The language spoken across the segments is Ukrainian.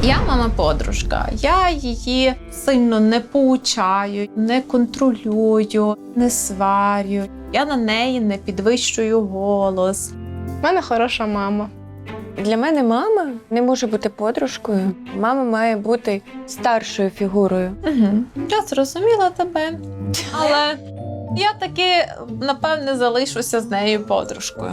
Я мама-подружка. Я її сильно не поучаю, не контролюю, не сварю. Я на неї не підвищую голос. У мене хороша мама. Для мене мама не може бути подружкою. Мама має бути старшою фігурою. Угу. Я зрозуміла тебе. Але я таки, напевне, залишуся з нею подружкою.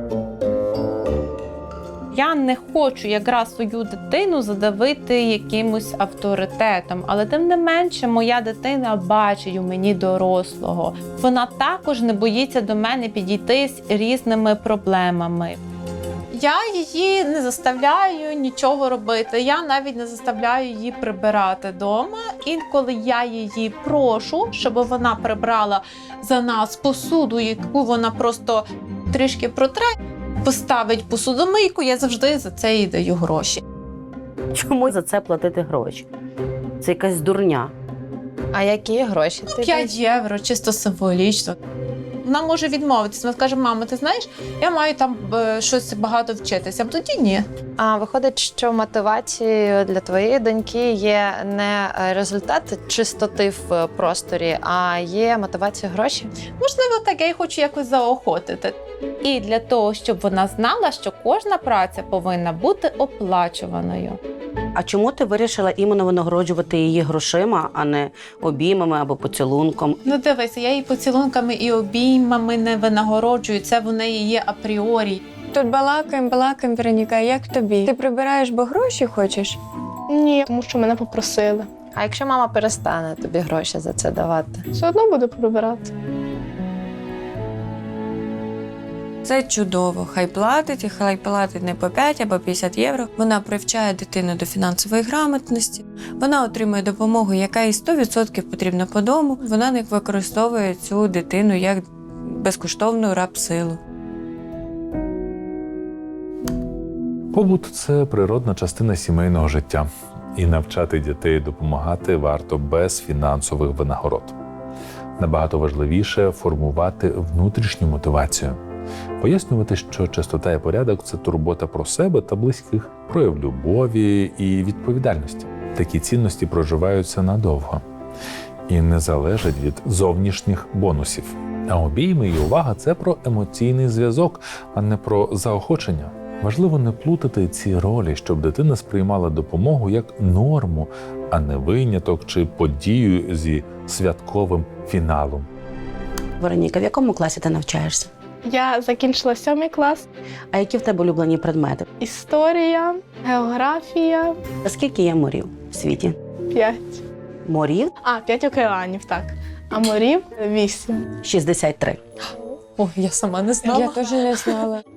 Я не хочу якраз свою дитину задавити якимось авторитетом, але тим не менше моя дитина бачить у мені дорослого. Вона також не боїться до мене підійти з різними проблемами. Я її не заставляю нічого робити, я навіть не заставляю її прибирати вдома. Інколи я її прошу, щоб вона прибрала за нас посуду, яку вона просто трішки протре, поставить посудомийку, я завжди за це їй даю гроші. Чому за це платити гроші? Це якась дурня. А які гроші? 5 євро, чисто символічно. Вона може відмовитися, вона скаже: мама, ти знаєш, я маю там щось багато вчитися, а тоді ні. А виходить, що мотивацією для твоєї доньки є не результат чистоти в просторі, а є мотивація гроші? Можливо, так, я її хочу якось заохотити. І для того, щоб вона знала, що кожна праця повинна бути оплачуваною. А чому ти вирішила іменно винагороджувати її грошима, а не обіймами або поцілунком? Ну дивися, я її поцілунками і обіймами не винагороджую, це в неї є апріорі. Тут балакаємо, Вероніка, як тобі? Ти прибираєш, бо гроші хочеш? Ні, тому що мене попросили. А якщо мама перестане тобі гроші за це давати? Все одно буду прибирати. Це чудово. Хай платить, і хай платить не по 5 або 50 євро. Вона привчає дитину до фінансової грамотності. Вона отримує допомогу, яка їй 100% потрібна по дому. Вона не використовує цю дитину як безкоштовну рабсилу. Побут – це природна частина сімейного життя. І навчати дітей допомагати варто без фінансових винагород. Набагато важливіше формувати внутрішню мотивацію. Пояснювати, що чистота і порядок – це турбота про себе та близьких, прояв любові і відповідальності. Такі цінності проживаються надовго і не залежать від зовнішніх бонусів. А обійми і увага – це про емоційний зв'язок, а не про заохочення. Важливо не плутати ці ролі, щоб дитина сприймала допомогу як норму, а не виняток чи подію зі святковим фіналом. Вероніка, в якому класі ти навчаєшся? Я закінчила 7 клас. А які в тебе улюблені предмети? Історія, географія, А скільки є морів в світі? 5. Морів 5 океанів, так. А морів 8. 63. О, я сама не знала. Я теж не знала.